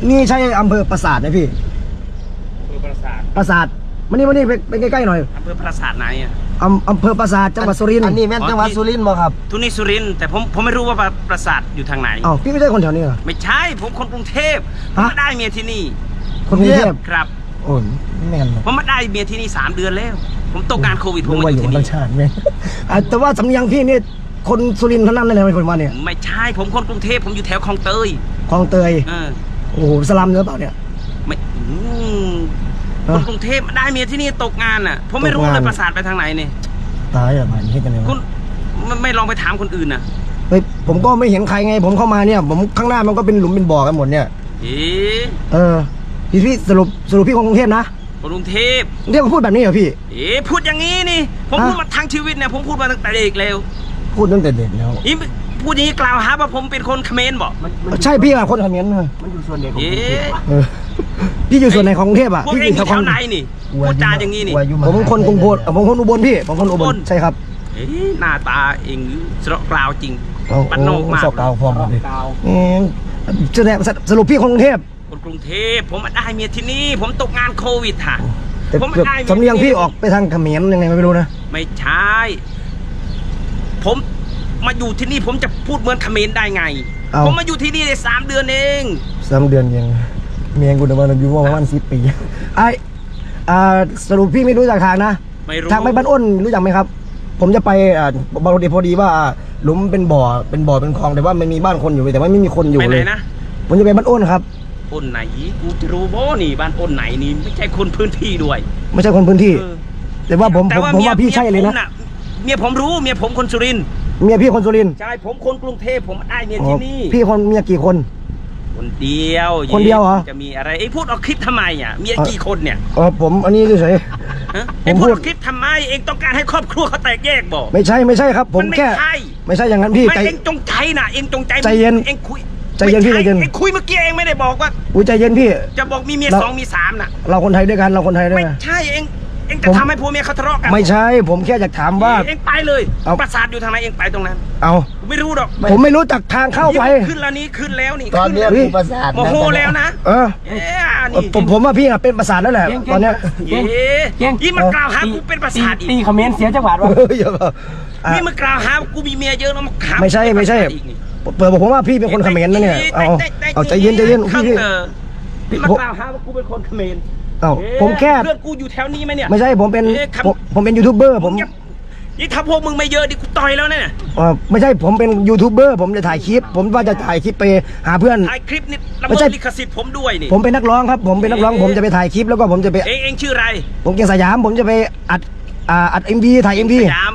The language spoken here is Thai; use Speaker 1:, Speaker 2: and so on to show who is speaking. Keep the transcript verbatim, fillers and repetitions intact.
Speaker 1: นี่ใช่อำเภอปราสาทไหมพี่
Speaker 2: อำเภอปราสาท
Speaker 1: ปราสาทมานี่มานี่ไปใกล้ๆหน่อย
Speaker 2: อำเภอปราสาทไหนอ่ะ
Speaker 1: อำอำเภอปราสาทจังหวัดสุรินทร์
Speaker 3: อันนี้แม่นจังหวัดสุรินทร์บ่ครับ
Speaker 2: ทุนี่สุรินทร์แต่ผมผมไม่รู้ว่าปราสาทอยู่ทางไหน
Speaker 1: อ้าวพี่ไม่ใช่คนแถวนี้เหรอ
Speaker 2: ไม่ใช่ผมคนกรุงเทพผมมาได้เมียที่นี่
Speaker 1: คนกรุงเทพ
Speaker 2: ครับ
Speaker 1: โอ้ยแม่น
Speaker 2: ผมมาได้เมียที่นี่สามเดือนแล้วผมตกงานโควิดผมมาอยู่ที่นี่
Speaker 1: ชาติแม่แต่ว่าสำเนียงพี่นี่คนสุรินทร์เท่านั้นเลยเป็นคนมาเนี่ย
Speaker 2: ไม่ใช่ผมคนกรุงเทพผมอยู่แถวคลองเตย
Speaker 1: คลองเตยโอ้โหสลัมเนื้อเปล่าเนี่ย
Speaker 2: ไม่คนกรุงเทพได้เมียที่นี่ตกงานอ่ะผมไม่รู้เลยปราสาทไปทางไหนเนี่ย
Speaker 1: ตายอะไรนี่กันเลย
Speaker 2: คุณไม่ลองไปถามคนอื่นนะ
Speaker 1: เฮ้ยผมก็ไม่เห็นใครไงผมเข้ามาเนี่ยผมข้างหน้ามันก็เป็นหลุมเป็นบ่อกันหมดเนี่ย
Speaker 2: เออ
Speaker 1: เออพี่พี่สรุปสรุปพี่คนกรุงเทพนะ
Speaker 2: คนกรุงเทพ
Speaker 1: เรียกว่าพูดแบบนี้เหรอพี่
Speaker 2: เอ๊ะพูดอย่างนี้นี่ผมพูดมาทั้งชีวิตเนี่ยผมพูดมาตั้งแต่เด็กแล้ว
Speaker 1: พูดตั้งแต่เด็กแล้ว
Speaker 2: นี่พูดอย่างนี้กล่าวหาว่าผมเป็นคนเขมรบอก
Speaker 1: ใช่พี่อะคนเขมรเลย
Speaker 3: มันอยู่ส่วนไหนของกรุงเทพ
Speaker 1: พี่อยู่ส่วนไหนของกรุงเทพอะ
Speaker 2: พี่อยู่แถวไหนนี่พูดจาอย่างนี้นี่
Speaker 1: ผมคนกรุงพลผมคนอุบลพี่ผมคนอุบลใช่ครับ
Speaker 2: เอ๊ะหน้าตาเองสระกล่าวจริงปันโนมาก
Speaker 1: สระกล่าวพร้อมเลยแสดงสรุปพี่คนกรุงเทพ
Speaker 2: คนกรุงเทพผมมาได้เมียที่นี่ผมตกงานโควิดค่ะ
Speaker 1: ผมมาได้สำเนียงพี่ออกไปทางเขมรยังไงไม่รู้นะ
Speaker 2: ไม่ใช่ผมมาอยู่ที่นี่ผมจะพูดเหมือนเขมรได้ไงผมมาอยู่ที่นี่ได้สามเดือนเอง
Speaker 1: สามเดือนยังเมียกูเดินมาอยู่ประมาณสิบปีไอสรุปพี่ไม่รู้จักทางนะทางไปบ้านอ้นรู้จักไหมครับผมจะไปบางทีพอดีว่าหลุมเป็นบ่อเป็นบ่อเป็นคลองแต่ว่าไม่มีบ้านคนอยู่แต่ว่าไม่มีคนอยู่เลยนะผมจะไปบ้านอ้นครับ
Speaker 2: อ้นไหนกูจะรู้บ่นี่บ้านอ้นไหนนี่ไม่ใช่คนพื้นที่ด้วย
Speaker 1: ไม่ใช่คนพื้นที่แต่ว่าผมผมว่าพี่ใช่เลยนะ
Speaker 2: เมียผมรู้เมียผมคนสุรินทร์
Speaker 1: เมียพี่คนสุรินทร์
Speaker 2: ใช่ผมคนกรุงเทพผมได้เมียที่นี่
Speaker 1: พี่คนเมียกี่คน
Speaker 2: คนเดียว
Speaker 1: คนเดียวเหรอ
Speaker 2: จะมีอะไรไอ้พูดออกคลิปทำไมอ่ะเมียกี่คนเนี่ย
Speaker 1: อ๋อผมอันนี้เฉย
Speaker 2: ไอ้พูดออกคลิปทำไมเองต้องการให้ครอบครัวเขาแตกแยกบอก
Speaker 1: ไม่ใช่ไม่ใช่ครับผมแค่ไม่ใช่อย่างนั้นพี่
Speaker 2: ไม่เองจงใจนะเองจงใจ
Speaker 1: ใจเย็น
Speaker 2: เองคุย
Speaker 1: ใจเย็นพี่ใจเย็น
Speaker 2: เองคุยเมื่อกี้เองไม่ได้บอกว่า
Speaker 1: อุ้ยใจเย็นพี่
Speaker 2: จะบอกมีเมียสองมีสามน่ะ
Speaker 1: เราคนไทยด้วยกันเราคนไทยด้วย
Speaker 2: ไม่ใช่เองเองจะทำให้ผัวเมียเขาทะเลาะกัน
Speaker 1: ไม่ใช่ผมแค่อยากถามว่า
Speaker 2: เองไปเลยปราสาทอยู่ทางไหนเองไปตรงนั้น
Speaker 1: เอา
Speaker 2: ไม่รู้หรอก
Speaker 1: ผมไม่รู้จักทางเข้าไป
Speaker 2: ขึ้นแล้วนี้ขึ้นแล้วนี่
Speaker 3: ตอนนี้ปราสาท
Speaker 2: โมโหแล้วนะ
Speaker 1: เออผมผมว่าพี่เป็นปราสาทแล้วแหละตอนนี้
Speaker 2: เย้ยี่มันกล่าวหากูเป็นปราสาทอีก
Speaker 3: ตีคอมเมนต์เสียจังหวัดวะ
Speaker 2: นี่มันกล่าวหากูมีเมียเยอะแล้วมาขำ
Speaker 1: ไม่ใช่ไม่ใช่เปิดบอกผมว่าพี่เป็นคนเขมรนะเนี่ยเอาเอาใจเย็นใจเย็นพี่
Speaker 2: พี่มากล่าวหาว่ากูเป็นคนเขมร
Speaker 1: อ้าวผมแค่
Speaker 2: เพื่อนกูอยู่แถวนี้ไหมเนี่ย
Speaker 1: ไม่ใช่ผมเป็นผมเป็นยูทูบเบอร์ผม
Speaker 2: นี่ถ้าพวกมึงไม่เยอะดิกูต่อยแล้วเนี่ย
Speaker 1: อ๋อไม่ใช่ผมเป็นยูทูบเบอร์ผมจะถ่ายคลิปผมว่าจะถ่ายคลิปไปหาเพื่อน
Speaker 2: ถ่ายคลิปนี่ละเมิดลิขสิทธิ์ผมด้วยนี่
Speaker 1: ผมเป็นนักร้องครับผมเป็นนักร้องผมจะไปถ่ายคลิปแล้วก็ผมจะไป
Speaker 2: เองเองชื่ออะไร
Speaker 1: ผมเก่งสยามผมจะไปอัดอัดเอ็มวีถ่ายเอ็มวี
Speaker 2: สยาม